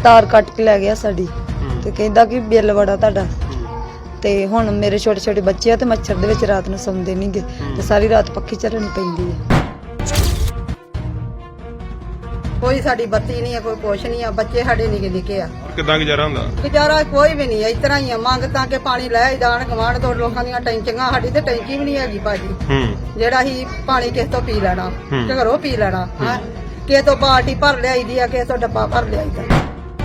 ਤਾਰ ਕੱਟ ਕੇ ਲੈ ਗਿਆ ਸਾਡੀ ਤੇ ਕਹਿੰਦਾ ਕਿ ਬਿੱਲ ਬੜਾ ਤੁਹਾਡਾ। ਤੇ ਹੁਣ ਮੇਰੇ ਛੋਟੇ ਛੋਟੇ ਬੱਚੇ ਆ ਤੇ ਮੱਛਰ ਦੇ ਵਿੱਚ ਰਾਤ ਨੂੰ ਸੌਂਦੇ ਨਹੀਂਗੇ ਤੇ ਸਾਰੀ ਰਾਤ ਪੱਖੀ ਚੱਲਣੀ ਪੈਂਦੀ ਹੈ। ਕੋਈ ਸਾਡੀ ਬੱਤੀ ਨਹੀਂ ਹੈ, ਕੋਈ ਕੁਛ ਨਹੀਂ ਆ, ਬੱਚੇ ਸਾਡੇ ਨਿੱਕੇ ਨਿੱਕੇ ਆ। ਕਿੱਦਾਂ ਗੁਜ਼ਾਰਾ ਹੁੰਦਾ? ਗੁਜ਼ਾਰਾ ਕੋਈ ਵੀ ਨਹੀਂ ਹੈ, ਇਸ ਤਰ੍ਹਾਂ ਹੀ ਆ। ਮੰਗ ਤਾਂ ਕਿ ਪਾਣੀ ਲੈ ਜਾਣ ਗਵਾਂਢ ਤੋਂ ਲੋਕਾਂ ਦੀਆਂ ਟੈਂਕੀਆਂ, ਸਾਡੀ ਤੇ ਟੈਂਕੀ ਵੀ ਨਹੀਂ ਹੈਗੀ ਭਾਜੀ ਜਿਹੜਾ ਹੀ ਪਾਣੀ ਕਿਸ ਤੋਂ ਪੀ ਲੈਣਾ ਤੇ ਘਰੋਂ ਪੀ ਲੈਣਾ। ਹਾਂ, ਕਿਸੇ ਤੋਂ ਬਾਲਟੀ ਭਰ ਲਿਆਈਦੀ ਆ, ਕਿਸੇ ਤੋਂ ਡੱਬਾ ਭਰ ਲਿਆਈਦਾ।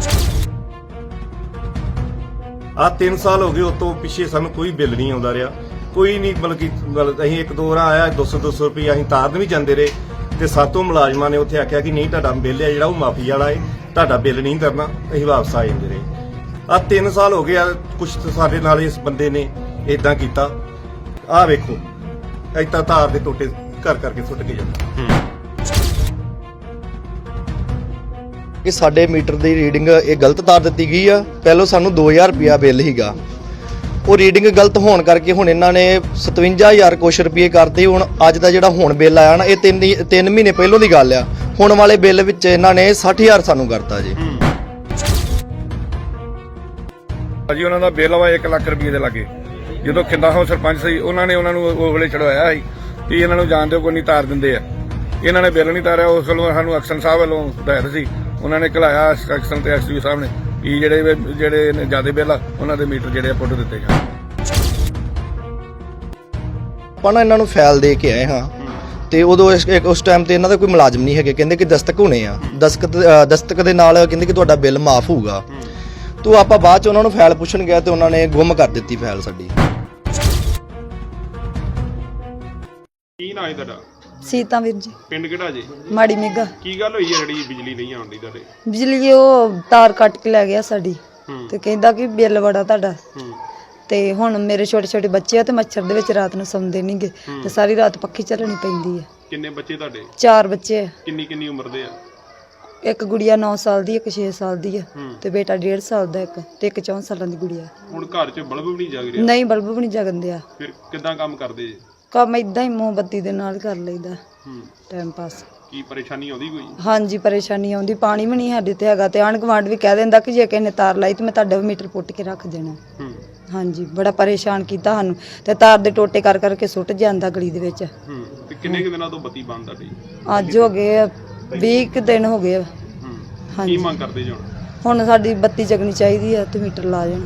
ਆ 3 ਸਾਲ ਹੋ ਗਏ ਉਸ ਤੋਂ ਪਿੱਛੇ ਸਾਨੂੰ ਕੋਈ ਬਿੱਲ ਨਹੀਂ ਆਉਂਦਾ ਰਿਹਾ, ਕੋਈ ਨਹੀਂ। ਮਤਲਬ ਕਿ ਅਸੀਂ ਇੱਕ ਦੋ ਵਾਰ ਆਇਆ 200 ਰੁਪਏ ਅਸੀਂ ਤਾਰਨ ਵੀ ਜਾਂਦੇ ਰਹੇ ਤੇ ਸਾਤੋਂ ਮੁਲਾਜ਼ਮਾਂ ਨੇ ਉੱਥੇ ਆਖਿਆ ਕਿ ਨਹੀਂ ਤੁਹਾਡਾ ਬਿੱਲ ਹੈ ਜਿਹੜਾ ਉਹ ਮਾਫੀ ਵਾਲਾ ਹੈ, ਤੁਹਾਡਾ ਬਿੱਲ ਨਹੀਂ ਕਰਨਾ, ਅਸੀਂ ਵਾਪਸ ਆ ਜਾਂਦੇ ਰਹੇ। ਆ 3 ਸਾਲ ਹੋ ਗਏ ਆ। ਕੁਛ ਸਾਡੇ ਨਾਲ ਇਸ ਬੰਦੇ ਨੇ ਇਦਾਂ ਕੀਤਾ। ਆਹ ਵੇਖੋ ਏਦਾਂ ਤਾਰ ਦੇ ਟੋਟੇ ਘਰ ਕਰਕੇ ਸੁੱਟ ਕੇ ਜਾਂਦਾ। ਕਿ ਸਾਡੇ ਮੀਟਰ ਦੀ ਰੀਡਿੰਗ ਇਹ ਗਲਤ ਤਾਰ ਦਿੱਤੀ ਗਈ ਆ। ਪਹਿਲਾਂ ਸਾਨੂੰ 2000 ਰੁਪਿਆ ਬਿੱਲ ਸੀਗਾ, ਉਹ ਰੀਡਿੰਗ ਗਲਤ ਹੋਣ ਕਰਕੇ ਹੁਣ ਇਹਨਾਂ ਨੇ 57000 ਕੁਛ ਰੁਪਏ ਕਰਤੇ। ਹੁਣ ਅੱਜ ਦਾ ਜਿਹੜਾ ਹੁਣ ਬਿੱਲ ਆਇਆ ਨਾ, ਇਹ 3 ਮਹੀਨੇ ਪਹਿਲਾਂ ਦੀ ਗੱਲ ਆ। ਹੁਣ ਵਾਲੇ ਬਿੱਲ ਵਿੱਚ ਇਹਨਾਂ ਨੇ 60000 ਸਾਨੂੰ ਕਰਤਾ ਜੀ। ਜੀ ਉਹਨਾਂ ਦਾ ਬਿੱਲ ਵਾ 1 ਲੱਖ ਰੁਪਏ ਦੇ ਲਾਗੇ। ਜਦੋਂ ਖਿੰਦਾ ਹੋ ਸਰਪੰਚ ਸੀ, ਉਹਨਾਂ ਨੇ ਉਹਨਾਂ ਨੂੰ ਉਹ ਵੇਲੇ ਚੜਵਾਇਆ ਸੀ ਕਿ ਇਹਨਾਂ ਨੂੰ ਜਾਣ ਦਿਓ, ਕੋਈ ਨਹੀਂ ਤਾਰ ਦਿੰਦੇ ਆ। ਇਹਨਾਂ ਨੇ ਬਿੱਲ ਨਹੀਂ ਤਾਰਿਆ। ਉਸ ਵੱਲੋਂ ਸਾਨੂੰ ਐਕਸ਼ਨ ਸਾਹਿਬ ਵੱਲੋਂ ਹਦਾਇਤ ਸੀ, ਉਹਨਾਂ ਨੇ ਘਲਾਇਆ ਐਕਸ਼ਨ ਤੇ ਐਸਟੀਓ ਸਾਹਿਬ ਨੇ ਕਿ ਜਿਹੜੇ ਜ਼ਿਆਦਾ ਬਿੱਲ ਆ ਉਹਨਾਂ ਦੇ ਮੀਟਰ ਜਿਹੜੇ ਪੁੱਟ ਦਿੱਤੇ ਜਾਣ। ਆਪਾਂ ਨਾ ਇਹਨਾਂ ਨੂੰ ਫਾਈਲ ਦੇ ਕੇ ਆਏ ਹਾਂ ਤੇ ਉਦੋਂ ਉਸ ਟਾਈਮ ਤੇ ਇਹਨਾਂ ਦਾ ਕੋਈ ਮੁਲਾਜ਼ਮ ਨਹੀਂ ਹੈਗੇ। ਕਹਿੰਦੇ ਕਿ ਦਸਤਕ ਹੋਣੇ ਆ, ਦਸਤਕ ਦੇ ਨਾਲ ਕਹਿੰਦੇ ਕਿ ਤੁਹਾਡਾ ਬਿੱਲ ਮਾਫ ਹੋਊਗਾ। ਤੋ ਆਪਾਂ ਬਾਅਦ ਚ ਉਹਨਾਂ ਨੂੰ ਫਾਈਲ ਪੁੱਛਣ ਗਿਆ ਤੇ ਉਹਨਾਂ ਨੇ ਗੁੰਮ ਕਰ ਦਿੱਤੀ ਫਾਈਲ ਸਾਡੀ। ਕੀ ਨਾਂ ਹੈ ਤੁਹਾਡਾ? ਸੀਤਾ ਵੀਰ ਜੀ। ਪਿੰਡ ਕਿਹੜਾ ਜੀ? ਮਾੜੀ ਮੇਗਾ। ਕੀ ਗੱਲ ਹੋਈ ਹੈ ਜਿਹੜੀ ਬਿਜਲੀ ਨਹੀਂ ਆਉਂਦੀ ਤੁਹਾਡੇ? ਬਿਜਲੀ ਉਹ ਤਾਰ ਕੱਟ ਕੇ ਲੈ ਗਿਆ ਸਾਡੀ ਤੇ ਕਹਿੰਦਾ ਕਿ ਬਿੱਲ ਬੜਾ ਤੁਹਾਡਾ। ਤੇ ਹੁਣ ਮੇਰੇ ਛੋਟੇ ਛੋਟੇ ਬੱਚੇ ਆ ਤੇ ਮੱਛਰ ਦੇ ਵਿੱਚ ਰਾਤ ਨੂੰ ਸੌਂਦੇ ਨਹੀਂਗੇ ਤੇ ਸਾਰੀ ਰਾਤ ਪੱਖੀ ਚੱਲਣੀ ਪੈਂਦੀ ਹੈ। ਕਿੰਨੇ ਬੱਚੇ ਤੁਹਾਡੇ? 4 ਬੱਚੇ ਆ। ਕਿੰਨੀ ਉਮਰ ਦੇ ਆ? ਇੱਕ ਗੁੜੀਆ 9 ਸਾਲ ਦੀ, ਇੱਕ 6 ਸਾਲ ਦੀ ਹੈ ਤੇ ਬੇਟਾ 1.5 ਸਾਲ ਦਾ, ਇੱਕ ਤੇ ਇੱਕ 4 ਸਾਲਾਂ ਦੀ ਗੁੜੀਆ। ਹੁਣ ਘਰ 'ਚ ਬਲਬ ਵੀ ਨਹੀਂ ਜਗ ਰਿਹਾ? ਨਹੀਂ, ਬਲਬ ਵੀ ਨਹੀਂ ਜਗਦੇ ਆ। ਫਿਰ ਕਿੱਦਾਂ ਕੰਮ ਕਰਦੇ ਜੀ? ਕੰਮ ਇਦਾਂ ਹੀ ਮੋਮਬੱਤੀ ਦੇ ਨਾਲ ਕਰ ਲਈਦਾ ਟਾਈਮ ਪਾਸ। ਕੀ ਪਰੇਸ਼ਾਨੀ ਆਉਂਦੀ ਕੋਈ? ਹਾਂਜੀ, ਪਰੇਸ਼ਾਨੀ ਆਉਂਦੀ। ਪਾਣੀ ਵੀ ਨਹੀਂ ਸਾਡੇ ਤੇ ਹੈਗਾ ਤੇ ਆਂਢ ਗੁਆਂਢ ਵੀ ਕਹਿ ਦਿੰਦਾ ਕਿ ਜੇ ਕਿਸੇ ਨੇ ਤਾਰ ਲਾਈ ਤੇ ਮੈਂ ਤੁਹਾਡਾ ਮੀਟਰ ਪੁੱਟ ਕੇ ਰੱਖ ਦੇਣਾ। ਹਾਂਜੀ, ਬੜਾ ਪਰੇਸ਼ਾਨ ਕੀਤਾ ਸਾਨੂੰ ਤੇ ਤਾਰ ਦੇ ਟੋਟੇ ਕਰ ਕਰਕੇ ਸੁੱਟ ਜਾਂਦਾ ਗਲੀ ਦੇ ਵਿੱਚ। ਤੇ ਕਿੰਨੇ ਦਿਨਾਂ ਤੋਂ ਬੱਤੀ ਬੰਦ ਤੁਹਾਡੀ? ਅੱਜ ਹੋ ਗਏ 20 ਦਿਨ ਹੋ ਗਏ। ਕੀ ਹਾਂਜੀ, ਮੰਗ ਕਰਦੇ ਜੀ ਹੁਣ ਸਾਡੀ ਬੱਤੀ ਜਗਣੀ ਚਾਹੀਦੀ ਆ ਤੇ ਮੀਟਰ ਲਾ ਜਾਣ।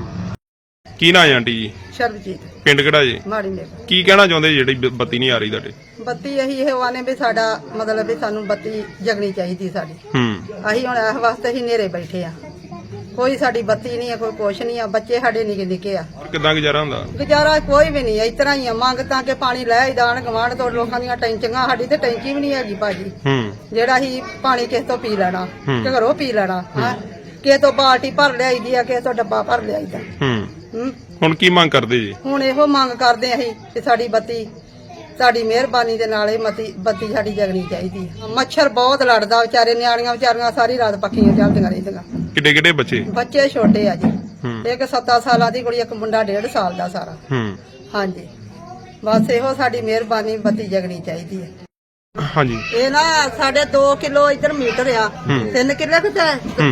ਕੀ ਨਾਂ ਹੈ ਆਂਟੀ ਜੀ? ਸ਼ਰਬਜੀਤ। ਪਿੰਡ ਕਿਹੜਾ ਜੀ? ਮਾੜੀ ਮੇਗਾ। ਕੀ ਕਹਿਣਾ ਚਾਹੁੰਦੇ ਜਿਹੜੀ ਬੱਤੀ ਨਹੀਂ ਆ ਰਹੀ ਤੁਹਾਡੇ? ਬੱਤੀ ਇਹੀ ਇਹ ਵਾਨੇ ਵੀ ਸਾਡਾ ਮਤਲਬ ਵੀ ਸਾਨੂੰ ਬੱਤੀ ਜਗਣੀ ਚਾਹੀਦੀ ਸਾਡੀ। ਅਸੀਂ ਹੁਣ ਇਸ ਵਾਸਤੇ ਹੀ ਨੇਰੇ ਬੈਠੇ ਆ। ਕੋਈ ਸਾਡੀ ਬੱਤੀ ਨਹੀਂ ਹੈ, ਕੋਈ ਕੁਛ ਨਹੀਂ ਆ, ਬੱਚੇ ਸਾਡੇ ਨਿੱਕੇ ਨਿੱਕੇ ਆ। ਕਿੱਦਾਂ ਗੁਜ਼ਾਰਾ ਹੁੰਦਾ? ਗੁਜ਼ਾਰਾ ਕੋਈ ਵੀ ਨਹੀਂ ਹੈ, ਇਸ ਤਰ੍ਹਾਂ ਹੀ ਆ। ਮੰਗ ਤਾਂ ਕਿ ਪਾਣੀ ਲੈ ਜਾਣ ਗਵਾਂਢ ਤੋਂ ਲੋਕਾਂ ਦੀਆਂ ਟੈਂਕੀਆਂ, ਸਾਡੀ ਤੇ ਟੈਂਕੀ ਵੀ ਨਹੀਂ ਹੈਗੀ ਭਾਜੀ ਜਿਹੜਾ ਹੀ ਪਾਣੀ ਕਿਸ ਤੋਂ ਪੀ ਲੈਣਾ ਤੇ ਘਰੋਂ ਪੀ ਲੈਣਾ। ਹਾਂ, ਕਿਸੇ ਤੋਂ ਬਾਲਟੀ ਭਰ ਲਿਆਈਦੀ ਆ, ਕਿਸੇ ਤੋਂ ਡੱਬਾ ਭਰ ਲਿਆਈਦਾ। ਹੁਣ ਕੀ ਮੰਗ ਕਰਦੇ ਜੀ? ਹੁਣ ਇਹੋ ਮੰਗ ਕਰਦੇ ਅਸੀਂ ਕਿ ਸਾਡੀ ਬੱਤੀ, ਸਾਡੀ ਮਿਹਰਬਾਨੀ ਦੇ ਨਾਲ ਇਹ ਬੱਤੀ ਸਾਡੀ ਜਗਣੀ ਚਾਹੀਦੀ ਹੈ। ਮੱਛਰ ਬਹੁਤ ਲੜਦਾ, ਵਿਚਾਰੇ ਨਿਆਣੀਆਂ ਵਿਚਾਰੀਆਂ ਸਾਰੀ ਰਾਤ ਪੱਖੀਆਂ ਚੱਲਦੀਆਂ ਰਹਿੰਦੀਆਂ। ਕਿੱਡੇ ਬੱਚੇ? ਬੱਚੇ ਛੋਟੇ ਆ ਜੀ, ਇੱਕ 7 ਸਾਲਾਂ ਦੀ ਕੁੜੀ, ਇੱਕ ਮੁੰਡਾ 1.5 ਸਾਲ ਦਾ ਸਾਰਾ। ਹਾਂਜੀ, ਬਸ ਇਹੋ ਸਾਡੀ ਮਿਹਰਬਾਨੀ, ਬੱਤੀ ਜਗਣੀ ਚਾਹੀਦੀ ਹੈ। ਹਾਂਜੀ, ਇਹ ਨਾ ਸਾਡੇ 2 ਕਿਲੋ ਇੱਧਰ ਮੀਟਰ ਆ, 3 ਕਿੱਲੇ ਕਿਤੇ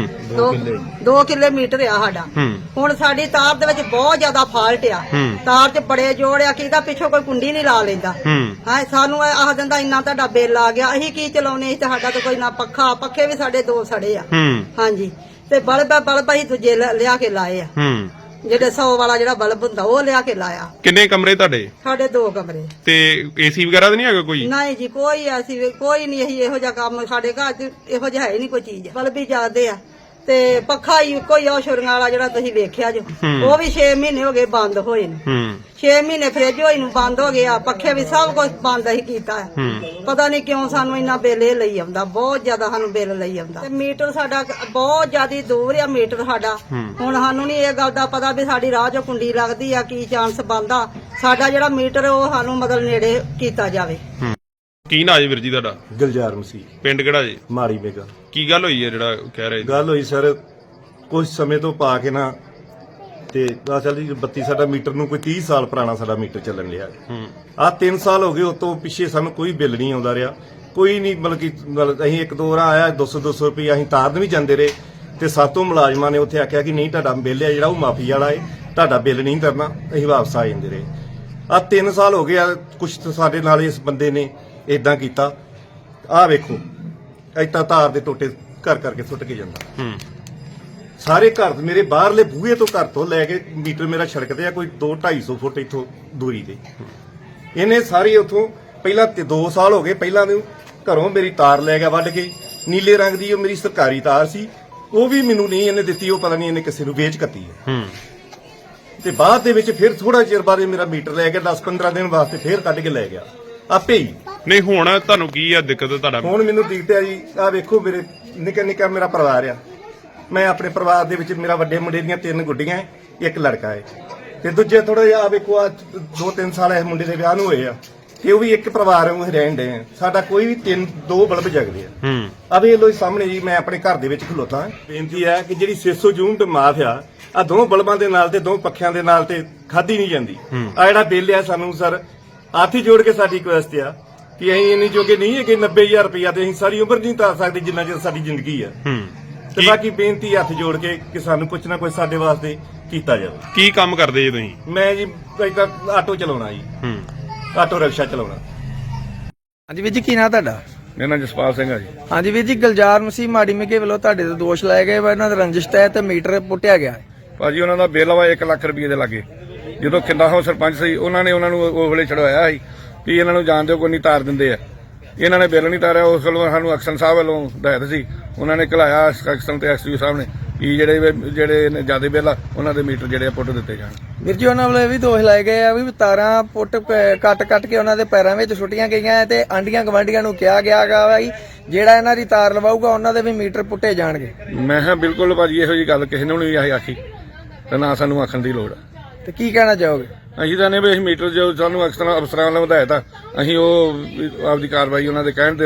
2 ਕਿੱਲੇ ਮੀਟਰ ਆ ਸਾਡਾ। ਹੁਣ ਸਾਡੀ ਤਾਰ ਦੇ ਵਿੱਚ ਬਹੁਤ ਜ਼ਿਆਦਾ ਫਾਲਟ ਆ, ਤਾਰ 'ਚ ਬੜੇ ਜੋੜ ਆ। ਕਿਹਦਾ ਪਿੱਛੋਂ ਕੋਈ ਕੁੰਡੀ ਨਹੀਂ ਲਾ ਲੈਂਦਾ। ਹਾਂ, ਸਾਨੂੰ ਆਖ ਦਿੰਦਾ ਇੰਨਾ ਤੁਹਾਡਾ ਬਿੱਲ ਆ ਗਿਆ। ਅਸੀਂ ਕੀ ਚਲਾਉਨੇ? ਸਾਡਾ ਤਾਂ ਕੋਈ ਨਾ ਪੱਖੇ ਵੀ ਸਾਡੇ 2 ਸੜੇ ਆ। ਹਾਂਜੀ, ਤੇ ਬਲਬ ਅਸੀਂ ਦੂਜੇ ਲਿਆ ਕੇ ਲਾਏ ਆ, ਜਿਹੜੇ 100 ਵਾਲਾ ਜਿਹੜਾ ਬਲਬ ਹੁੰਦਾ ਉਹ ਲਿਆ ਕੇ ਲਾਇਆ। ਕਿੰਨੇ ਕਮਰੇ ਤੁਹਾਡੇ? ਸਾਡੇ 2 ਕਮਰੇ। ਤੇ ਏਸੀ ਵਗੈਰਾ ਤਾਂ ਨਹੀਂ ਹੈਗਾ ਕੋਈ? ਨਹੀਂ ਜੀ, ਕੋਈ ਐਸੀ ਕੋਈ ਨਹੀਂ। ਅਸੀਂ ਇਹੋ ਜਿਹਾ ਕੰਮ ਸਾਡੇ ਘਰ 'ਚ ਇਹੋ ਜਿਹਾ ਹੈ ਨਹੀਂ ਕੋਈ ਚੀਜ਼। ਬਲਬ ਹੀ ਜਾਂਦੇ ਆ ਤੇ ਪੱਖਾ ਹੀ ਕੋਈ ਆ ਛੁਰੀਆਂ ਵਾਲਾ ਜਿਹੜਾ ਤੁਸੀਂ ਵੇਖਿਆ ਜੋ, ਉਹ ਵੀ 6 ਮਹੀਨੇ ਹੋ ਗਏ ਬੰਦ ਹੋਏ ਨੂੰ। 6 ਮਹੀਨੇ ਫ੍ਰਿਜ ਹੋਈ ਨੂੰ ਬੰਦ ਹੋ ਗਿਆ, ਪੱਖੇ ਵੀ ਸਭ ਕੁਝ ਬੰਦ ਹੀ ਕੀਤਾ। ਪਤਾ ਨਹੀਂ ਕਿਉਂ ਸਾਨੂੰ ਇੰਨਾ ਬਿੱਲ ਇਹ ਲਈ ਆਉਂਦਾ, ਬਹੁਤ ਜ਼ਿਆਦਾ ਸਾਨੂੰ ਬਿੱਲ ਲਈ ਆਉਂਦਾ। ਤੇ ਮੀਟਰ ਸਾਡਾ ਬਹੁਤ ਜ਼ਿਆਦਾ ਦੂਰ ਆ ਮੀਟਰ ਸਾਡਾ। ਹੁਣ ਸਾਨੂੰ ਨਹੀਂ ਇਹ ਗੱਲ ਦਾ ਪਤਾ ਵੀ ਸਾਡੀ ਰਾਹ 'ਚੋਂ ਕੁੰਡੀ ਲੱਗਦੀ ਆ, ਕੀ ਚਾਂਸ ਬਣਦਾ। ਸਾਡਾ ਜਿਹੜਾ ਮੀਟਰ ਉਹ ਸਾਨੂੰ ਮਤਲਬ ਨੇੜੇ ਕੀਤਾ ਜਾਵੇ। ਕੀ ਨਾਂ ਜੀ ਵੀਰ ਜੀ ਤੁਹਾਡਾ? ਗੁਲਜ਼ਾਰ ਮਸੀਹ। ਪਿੰਡ ਕਿਹੜਾ ਜੀ? ਮਾੜੀ ਮੇਗਾ। ਕੀ ਗੱਲ ਹੋਈ ਹੈ ਜਿਹੜਾ ਕਹਿ ਰਹੇ? ਗੱਲ ਹੋਈ ਸਰ, ਕੁਝ ਸਮੇਂ ਤੋਂ ਪਾ ਕੇ ਨਾ ਤੇ ਅਸਲ ਜੀ ਬੱਤੀ ਸਾਡਾ ਮੀਟਰ ਨੂੰ ਕੋਈ 30 ਸਾਲ ਪੁਰਾਣਾ ਸਾਡਾ ਮੀਟਰ ਚੱਲਣ ਲਿਆ। ਆ 3 ਸਾਲ ਹੋ ਗਏ ਉਸ ਤੋਂ ਪਿੱਛੇ ਸਾਨੂੰ ਕੋਈ ਬਿੱਲ ਨਹੀਂ ਆਉਂਦਾ ਰਿਹਾ, ਕੋਈ ਨਹੀਂ। ਮਤਲਬ ਕਿ ਅਸੀਂ ਇੱਕ ਦੋ ਵਾਰ ਆਇਆ 200 ਰੁਪਏ ਅਸੀਂ ਤਾਰਨ ਵੀ ਜਾਂਦੇ ਰਹੇ ਤੇ ਸਾਤੋਂ ਮੁਲਾਜ਼ਮਾਂ ਨੇ ਉੱਥੇ ਆਖਿਆ ਕਿ ਨਹੀਂ ਤੁਹਾਡਾ ਬਿੱਲ ਹੈ ਜਿਹੜਾ ਉਹ ਮਾਫੀ ਵਾਲਾ ਹੈ, ਤੁਹਾਡਾ ਬਿੱਲ ਨਹੀਂ ਕਰਨਾ, ਅਸੀਂ ਵਾਪਸ ਆ ਜਾਂਦੇ ਰਹੇ। ਆ 3 ਸਾਲ ਹੋ ਗਏ ਆ, ਕੁਛ ਸਾਡੇ ਨਾਲ ਇਸ ਬੰਦੇ ਨੇ ਇਦਾਂ ਕੀਤਾ। ਆਹ ਵੇਖੋ ਏਦਾਂ ਤਾਰ ਦੇ ਟੋਟੇ ਘਰ ਕਰਕੇ ਸੁੱਟ ਕੇ ਜਾਂਦਾ। ਸਾਰੇ ਘਰ ਮੇਰੇ ਬਾਹਰਲੇ ਬੂਹੇ ਤੋਂ ਘਰ ਤੋਂ ਲੈ ਕੇ ਮੀਟਰ ਮੇਰਾ ਸੜਕ ਤੇ ਆ ਕੋਈ 2-250 ਫੁੱਟ ਇੱਥੋਂ ਦੂਰੀ ਤੇ। ਇਹਨੇ ਸਾਰੀ ਉੱਥੋਂ ਪਹਿਲਾਂ 2 ਸਾਲ ਹੋ ਗਏ, ਪਹਿਲਾਂ ਨੂੰ ਘਰੋਂ ਮੇਰੀ ਤਾਰ ਲੈ ਗਿਆ ਵੱਢ ਕੇ, ਨੀਲੇ ਰੰਗ ਦੀ ਉਹ ਮੇਰੀ ਸਰਕਾਰੀ ਤਾਰ ਸੀ, ਉਹ ਵੀ ਮੈਨੂੰ ਨਹੀਂ ਇਹਨੇ ਦਿੱਤੀ, ਉਹ ਪਤਾ ਨਹੀਂ ਇਹਨੇ ਕਿਸੇ ਨੂੰ ਵੇਚ ਕੱਤੀ ਹੈ। ਤੇ ਬਾਅਦ ਦੇ ਵਿੱਚ ਫਿਰ ਥੋੜਾ ਚਿਰ ਬਾਅਦ ਮੇਰਾ ਮੀਟਰ ਲੈ ਗਿਆ, 10-15 ਦਿਨ ਵਾਸਤੇ ਫਿਰ ਕੱਢ ਕੇ ਲੈ ਗਿਆ ਆਪੇ ਹੀ। ਨਹੀਂ ਹੁਣ ਤੁਹਾਨੂੰ ਕੀ ਆ ਦਿੱਕਤ ਤੁਹਾਡਾ? ਹੁਣ ਮੈਨੂੰ ਦਿਖਦਾ ਜੀ, ਆਹ ਵੇਖੋ ਮੇਰੇ ਨਿੱਕਾ ਨਿੱਕਾ ਮੇਰਾ ਪਰਿਵਾਰ ਆ। ਮੈਂ ਆਪਣੇ ਪਰਿਵਾਰ ਦੇ ਵਿੱਚ ਮੇਰਾ ਵੱਡੇ ਮੁੰਡੇ ਦੀਆਂ 3 ਗੁੱਡੀਆਂ ਹੈ, 1 ਲੜਕਾ ਹੈ, ਤੇ ਦੂਜੇ ਥੋੜਾ ਜਿਹਾ ਆ ਵੇਖੋ ਆ 2-3 ਸਾਲ ਇਸ ਮੁੰਡੇ ਦੇ ਵਿਆਹ ਨੂੰ ਹੋਏ ਆ, ਤੇ ਉਹ ਵੀ ਇੱਕ ਪਰਿਵਾਰ ਵਾਂਗੂ ਰਹਿਣ ਦੇ ਆ। ਸਾਡਾ ਕੋਈ ਵੀ 2 ਬਲਬ ਜਗਦੇ ਆ। ਆ ਵੇਖ ਲੋ ਸਾਹਮਣੇ ਜੀ, ਮੈਂ ਆਪਣੇ ਘਰ ਦੇ ਵਿੱਚ ਖਲੋਤਾ। ਬੇਨਤੀ ਹੈ ਕਿ ਜਿਹੜੀ 600 ਯੂਨਿਟ ਮਾਫ ਆ 2 ਬਲਬਾਂ ਦੇ ਨਾਲ ਤੇ 2 ਪੱਖਿਆਂ ਦੇ ਨਾਲ ਤੇ ਖਾਦੀ ਨਹੀਂ ਜਾਂਦੀ। ਆ ਜਿਹੜਾ ਬਿੱਲ ਆ ਸਾਨੂੰ ਸਰ ਹੱਥ ਹੀ ਜੋੜ ਕੇ ਸਾਡੀ ਰਿਕੁਐਸਟ ਆ ਕਿ ਅਸੀਂ ਇੰਨੀ ਜੋਗੇ ਨਹੀਂ ਹੈ ਕਿ 90000 ਰੁਪਇਆ ਤੇ ਅਸੀਂ ਸਾਰੀ ਉਮਰ ਨਹੀਂ ਤਾਰ ਸਕਦੇ ਜਿੰਨਾ ਚਿਰ ਸਾਡੀ ਜ਼ਿੰਦਗੀ ਆ। ਤੇ ਬਾਕੀ ਬੇਨਤੀ ਹੱਥ ਜੋੜ ਕੇ ਕਿ ਸਾਨੂੰ ਕੁਛ ਨਾ ਕੁਛ ਸਾਡੇ ਵਾਸਤੇ ਕੀਤਾ ਜਾਵੇ। ਕੀ ਕੰਮ ਕਰਦੇ ਜੀ ਤੁਸੀਂ? ਮੈਂ ਜੀ ਏਦਾਂ ਆਟੋ ਚਲਾਉਣਾ ਜੀ, ਆਟੋ ਰਿਕਸ਼ਾ ਚਲਾਉਣਾ। ਹਾਂਜੀ ਵੀਰ ਜੀ, ਕੀ ਨਾਂ ਤੁਹਾਡਾ? ਮੇਰਾ ਨਾਮ ਜਸਪਾਲ ਸਿੰਘ ਆ ਜੀ। ਹਾਂਜੀ ਵੀਰ ਜੀ, ਗੁਲਜ਼ਾਰ ਮਸੀਹ ਮਾੜੀ ਮੇਗੇ ਵੱਲੋਂ ਤੁਹਾਡੇ ਤੇ ਦੋਸ਼ ਲਾਏ ਗਏ ਵਾ, ਇਹਨਾਂ ਦਾ ਰੰਜਿਸ਼ ਤਹਿਤ ਮੀਟਰ ਪੁੱਟਿਆ ਗਿਆ ਹੈ। ਭਾਜੀ ਉਹਨਾਂ ਦਾ ਬਿੱਲ ਵਾ 1 ਲੱਖ ਰੁਪਏ ਦੇ ਲਾਗੇ। ਜਦੋਂ ਖਿੰਦਾ ਸਰਪੰਚ ਸੀ ਉਹਨਾਂ ਨੇ ਉਹਨਾਂ ਨੂੰ ਉਹ ਵੇਲੇ ਚੜਵਾਇਆ ਸੀ ਵੀ ਇਹਨਾਂ ਨੂੰ ਜਾਣ ਦਿਓ, ਕੋਈ ਨਹੀਂ ਤਾਰ ਦਿੰਦੇ ਆ। ਇਹਨਾਂ ਨੇ ਬਿੱਲ ਨਹੀਂ ਤਾਰਿਆ। ਉਸ ਵੱਲੋਂ ਸਾਨੂੰ ਅਕਸਰ ਸਾਹਿਬ ਵੱਲੋਂ ਹਦਾਇਤ ਸੀ, ਉਹਨਾਂ ਨੇ ਘਲਾਇਆ ਅਕਸਰ ਤੇ ਐਸਯੂ ਸਾਹਿਬ ਨੇ ਵੀ ਜਿਹੜੇ ਜ਼ਿਆਦਾ ਬਿੱਲ ਆ ਉਹਨਾਂ ਦੇ ਮੀਟਰ ਜਿਹੜੇ ਆ ਪੁੱਟ ਦਿੱਤੇ ਜਾਣ। ਵੀਰ ਜੀ, ਉਹਨਾਂ ਵੱਲੋਂ ਇਹ ਵੀ ਦੋਸ਼ ਲਾਏ ਗਏ ਆ ਵੀ ਤਾਰਾਂ ਪੁੱਟ ਕੱਟ ਕੇ ਉਹਨਾਂ ਦੇ ਪੈਰਾਂ ਵਿੱਚ ਸੁੱਟੀਆਂ ਗਈਆਂ ਤੇ ਆਂਡੀਆਂ ਗਵਾਂਡੀਆਂ ਨੂੰ ਕਿਹਾ ਗਿਆ ਗਾ ਵੀ ਜਿਹੜਾ ਇਹਨਾਂ ਦੀ ਤਾਰ ਲਵਾਊਗਾ ਉਹਨਾਂ ਦੇ ਵੀ ਮੀਟਰ ਪੁੱਟੇ ਜਾਣਗੇ। ਮੈਂ ਕਿਹਾ ਬਿਲਕੁਲ ਭਾਜੀ ਇਹੋ ਜੀ ਗੱਲ ਕਿਸੇ ਨੂੰ ਨਹੀਂ ਆਖੀ ਤੇ ਨਾ ਸਾਨੂੰ ਆਖਣ ਦੀ ਲੋੜ ਆ। ਤੇ ਕੀ ਕਹਿਣਾ ਚਾਹੋਗੇ? ਅਸੀਂ ਤਾਂ ਨੇ ਵੀ ਅਸੀਂ ਮੀਟਰ ਜੋ ਸਾਨੂੰ ਅਫਸਰਾਂ ਵੱਲੋਂ ਹਦਾਇਤ ਆ, ਅਸੀਂ ਉਹ ਆਪਦੀ ਕਾਰਵਾਈ ਉਹਨਾਂ ਦੇ ਕਹਿਣ ਤੇ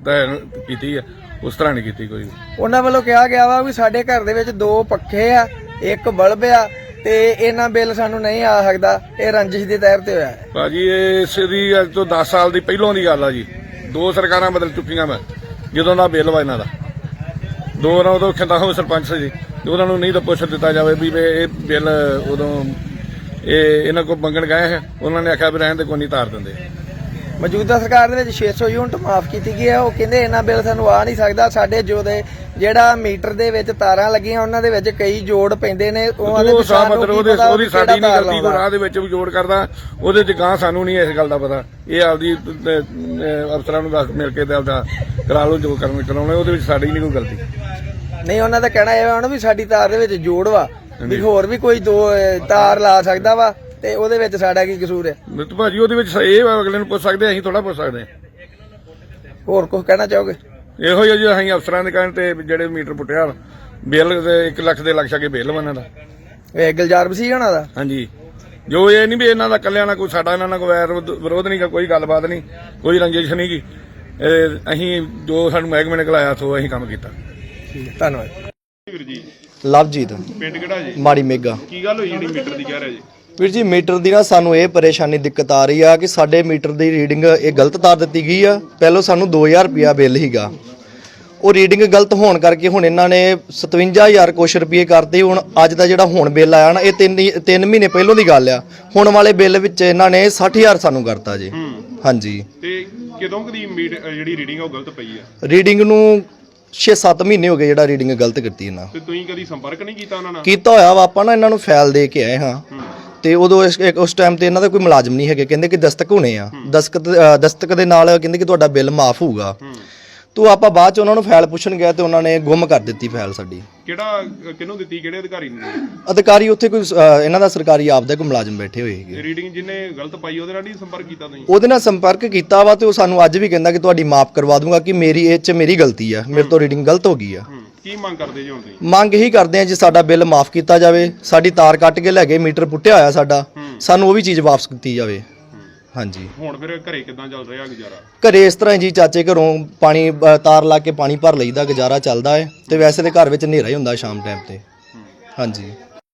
ਕੀਤੀ ਆ, ਉਸ ਤਰ੍ਹਾਂ ਨਹੀਂ ਕੀਤੀ ਕੋਈ। ਉਹਨਾਂ ਵੱਲੋਂ ਕਿਹਾ ਗਿਆ ਵਾ ਵੀ ਸਾਡੇ ਘਰ ਦੇ ਵਿੱਚ 2 ਪੱਖੇ ਆ, 1 ਬਲਬ ਆ ਤੇ ਇਹਨਾਂ ਬਿੱਲ ਸਾਨੂੰ ਨਹੀਂ ਆ ਸਕਦਾ, ਇਹ ਰੰਜਿਸ਼ ਦੇ ਤਹਿਤ ਤੇ ਹੋਇਆ ਹੈ। ਭਾਜੀ ਇਸ ਦੀ ਅੱਜ ਤੋਂ 10 ਸਾਲ ਦੀ ਪਹਿਲੋਂ ਦੀ ਗੱਲ ਆ ਜੀ। 2 ਸਰਕਾਰਾਂ ਬਦਲ ਚੁੱਕੀਆਂ ਮੈਂ ਜਦੋਂ ਦਾ ਬਿੱਲ ਵਾ ਇਹਨਾਂ ਦਾ। 2 ਉਦੋਂ ਖਿੰਦਾ ਹੋ ਸਰਪੰਚ ਸੀ, ਉਹਨਾਂ ਨੂੰ ਨਹੀਂ ਤਾਂ ਪੁੱਛ ਦਿੱਤਾ ਜਾਵੇ ਵੀ ਇਹ ਬਿੱਲ ਉਦੋਂ ਇਹਨਾਂ ਕੋਲ ਮੰਗਣ ਗਏ ਹੈ, ਉਹਨਾਂ ਨੇ ਆਖਿਆ ਵੀ ਰਹਿਣ ਦੇ ਕੋਈ ਨਹੀਂ ਤਾਰ ਦਿੰਦੇ। ਮੌਜੂਦਾ ਸਰਕਾਰ ਦੇ ਵਿੱਚ 600 ਯੂਨਿਟ ਮਾਫ ਕੀਤੀ ਗਈ ਹੈ। ਉਹ ਕਹਿੰਦੇ ਇਹਨਾਂ ਬਿੱਲ ਸਾਨੂੰ ਆ ਨਹੀਂ ਸਕਦਾ, ਸਾਡੇ ਜਿਹੜਾ ਮੀਟਰ ਦੇ ਵਿੱਚ ਤਾਰਾਂ ਲੱਗੀਆਂ ਉਹਨਾਂ ਦੇ ਵਿੱਚ ਕਈ ਜੋੜ ਪੈਂਦੇ ਨੇ, ਉਹਦੀ ਸਾਡੀ ਨਹੀਂ ਗਲਤੀ, ਕੋਈ ਰਾਹ ਦੇ ਵਿੱਚ ਵੀ ਜੋੜ ਕਰਦਾ ਉਹਦੇ ਚ ਗਾਂ ਸਾਨੂੰ ਨਹੀਂ ਇਸ ਗੱਲ ਦਾ ਪਤਾ। ਇਹ ਆਪਦੀ ਅਫਸਰਾਂ ਨੂੰ ਦੱਸ ਮਿਲ ਕੇ ਤੇ ਆਪਦਾ ਕਰਾ ਲਓ ਜੋ ਕਰਾਉਣਾ, ਉਹਦੇ ਵਿੱਚ ਸਾਡੀ ਨਹੀਂ ਕੋਈ ਗਲਤੀ। ਨਹੀਂ, ਉਹਨਾਂ ਦਾ ਕਹਿਣਾ ਇਹ ਵਾ ਵੀ ਸਾਡੀ ਤਾਰ ਦੇ ਵਿੱਚ ਜੋੜ ਵਾ, ਵੀ ਹੋਰ ਵੀ ਕੋਈ 2 ਤਾਰ ਲਾ ਸਕਦਾ ਵਾ ਤੇ ਉਹਦੇ ਵਿੱਚ ਸਾਡਾ ਕੀ ਕਸੂਰ ਹੈ? ਮਿੱਤੂ ਭਾਜੀ ਉਹਦੇ ਵਿੱਚ ਇਹ ਅਗਲੇ ਨੂੰ ਪੁੱਛ ਸਕਦੇ, ਅਸੀਂ ਥੋੜਾ ਪੁੱਛ ਸਕਦੇ। ਹੋਰ ਕੁਝ ਕਹਿਣਾ ਚਾਹੋਗੇ? ਇਹੋ ਜਿਹਾ ਜੀ ਅਸੀਂ ਅਫਸਰਾਂ ਦੇ ਕਹਿਣ ਤੇ ਜਿਹੜੇ ਮੀਟਰ ਪੁੱਟਿਆ ਬਿੱਲ 1 ਲੱਖ ਦੇ ਲੱਖ ਛਾ ਕੇ ਬਿੱਲ ਬਣਾ ਦਾ ਇਹ ਗੁਲਜ਼ਾਰ ਮਸੀਹ ਹੋਣਾ ਦਾ। ਹਾਂਜੀ, ਜੋ ਇਹ ਨਹੀਂ ਵੀ ਇਹਨਾਂ ਦਾ ਕੱਲਿਆਂ ਨਾਲ ਕੋਈ ਸਾਡਾ ਇਹਨਾਂ ਨਾਲ ਕੋਈ ਵੈਰ ਵਿਰੋਧ ਨਹੀਂ, ਕੋਈ ਗੱਲਬਾਤ ਨਹੀਂ, ਕੋਈ ਰੰਜਿਸ਼ ਨਹੀਂ ਗੀ। ਅਸੀਂ ਜੋ ਸਾਨੂੰ ਮਹਿਕਮੇ ਨੇ ਘਲਾਇਆ ਸੋ ਅਸੀਂ ਕੰਮ ਕੀਤਾ। ਧੰਨਵਾਦ ਵੀਰ ਜੀ। ਲਵਜੀਤ ਪਿੰਡ ਕਿਹੜਾ ਜੀ? ਮਾੜੀ ਮੇਗਾ। ਕੀ ਗੱਲ ਹੋਈ ਜਿਹੜੀ ਮੀਟਰ ਦੀ ਕਹਿ ਰਿਹਾ ਜੀ? ਵੀਰ ਜੀ, ਮੀਟਰ ਦੀ ਨਾ ਸਾਨੂੰ ਇਹ ਪਰੇਸ਼ਾਨੀ ਦਿੱਕਤ ਆ ਰਹੀ ਆ ਕਿ ਸਾਡੇ ਮੀਟਰ ਦੀ ਰੀਡਿੰਗ ਇਹ ਗਲਤ ਤਾਰ ਦਿੱਤੀ ਗਈ ਆ। ਪਹਿਲਾਂ ਸਾਨੂੰ 2000 ਰੁਪਿਆ ਬਿੱਲ ਹੀਗਾ, ਉਹ ਰੀਡਿੰਗ ਗਲਤ ਹੋਣ ਕਰਕੇ ਹੁਣ ਇਹਨਾਂ ਨੇ 57000 ਕੁਛ ਰੁਪਏ ਕਰਤੇ। ਹੁਣ ਅੱਜ ਦਾ ਜਿਹੜਾ ਹੁਣ ਬਿੱਲ ਆਇਆ ਨਾ, ਇਹ 3 ਮਹੀਨੇ ਪਹਿਲਾਂ ਦੀ ਗੱਲ ਆ। ਹੁਣ ਵਾਲੇ ਬਿੱਲ ਵਿੱਚ ਇਹਨਾਂ ਨੇ 60000 ਸਾਨੂੰ ਕਰਤਾ ਜੀ। ਹਾਂਜੀ, ਤੇ ਕਦੋਂ ਕਦੀ ਜਿਹੜੀ ਰੀਡਿੰਗ ਆ ਉਹ ਗਲਤ ਪਈ ਆ? ਰੀਡਿੰਗ ਨੂੰ 6-7 ਮਹੀਨੇ ਹੋ ਗਏ ਜਿਹੜਾ ਰੀਡਿੰਗ ਗਲਤ ਕੀਤੀ ਇਹਨਾਂ। ਤੇ ਤੁਸੀਂ ਕਦੀ ਸੰਪਰਕ ਨਹੀਂ ਕੀਤਾ ਉਹਨਾਂ ਨਾਲ? ਕੀਤਾ ਹੋਇਆ ਵਾ, ਆਪਾਂ ਨਾ ਇਹਨਾਂ ਨੂੰ ਫਾਈਲ ਦੇ ਕੇ ਆਏ ਹਾਂ ਤੇ ਉਦੋਂ ਉਸ ਟਾਈਮ ਤੇ ਇਹਨਾਂ ਦਾ ਕੋਈ ਮੁਲਾਜ਼ਮ ਨਹੀਂ ਹੈਗੇ, ਕਹਿੰਦੇ ਕਿ ਦਸਤਕ ਹੋਣੇ ਆ, ਦਸਤਕ ਦੇ ਨਾਲ ਕਹਿੰਦੇ ਕਿ ਤੁਹਾਡਾ ਬਿੱਲ ਮਾਫ ਹੋਊਗਾ। ਤੋ ਆਪਾਂ ਬਾਅਦ ਚ ਉਹਨਾਂ ਨੂੰ ਫਾਈਲ ਪੁੱਛਣ ਗਿਆ ਤੇ ਉਹਨਾਂ ਨੇ ਗੁੰਮ ਕਰ ਦਿੱਤੀ ਫਾਈਲ ਸਾਡੀ। ਕਿਹਨੂੰ ਦਿੱਤੀ? ਕਿਹੜੇ ਅਧਿਕਾਰੀ ਨੂੰ? ਅਧਿਕਾਰੀ ਉੱਥੇ ਕੋਈ ਇਹਨਾਂ ਦਾ ਸਰਕਾਰੀ ਆਪਦਾ ਕੋਈ ਮੁਲਾਜ਼ਮ ਬੈਠੇ ਹੋਏ ਹੈਗੇ। ਰੀਡਿੰਗ ਜਿਹਨੇ ਗਲਤ ਪਾਈ ਉਹਦੇ ਨਾਲ ਨਹੀਂ ਸੰਪਰਕ ਕੀਤਾ ਤੁਸੀਂ? ਉਹਦੇ ਨਾਲ ਸੰਪਰਕ ਕੀਤਾ ਵਾ ਤੇ ਉਹ ਸਾਨੂੰ ਅੱਜ ਵੀ ਕਹਿੰਦਾ ਕਿ ਤੁਹਾਡੀ ਮਾਫ ਕਰਵਾ ਦੂੰਗਾ, ਕਿ ਮੇਰੀ ਗਲਤੀ ਆ, ਮੇਰੇ ਤੋਂ ਰੀਡਿੰਗ ਗਲਤ ਹੋ ਗਈ ਆ। ਕੀ ਮੰਗ ਕਰਦੇ ਜੀ ਹੁਣ ਤੁਸੀਂ? ਮੰਗ ਇਹੀ ਕਰਦੇ ਆ ਜੀ ਸਾਡਾ ਬਿੱਲ ਮਾਫ ਕੀਤਾ ਜਾਵੇ, ਸਾਡੀ ਤਾਰ ਕੱਟ ਕੇ ਲੈ ਗਏ, ਮੀਟਰ ਪੁੱਟਿਆ ਹੋਇਆ ਸਾਡਾ, ਸਾਨੂੰ ਉਹ ਵੀ ਚੀਜ਼ ਵਾਪਸ ਕੀਤੀ ਜਾਵੇ। ਹਾਂਜੀ, ਹੁਣ ਫਿਰ ਘਰੇ ਕਿਦਾਂ ਚੱਲ ਰਿਹਾ ਗੁਜ਼ਾਰਾ? ਘਰੇ ਇਸ ਤਰ੍ਹਾਂ ਜੀ, ਚਾਚੇ ਘਰੋਂ ਪਾਣੀ ਤਾਰ ਲਾ ਕੇ ਪਾਣੀ ਭਰ ਲਈਦਾ, ਗੁਜ਼ਾਰਾ ਚੱਲਦਾ ਹੈ। ਤੇ ਵੈਸੇ ਤੇ ਘਰ ਵਿੱਚ ਹਨੇਰਾ ਹੀ ਹੁੰਦਾ ਸ਼ਾਮ ਟਾਈਮ ਤੇ। ਹਾਂਜੀ।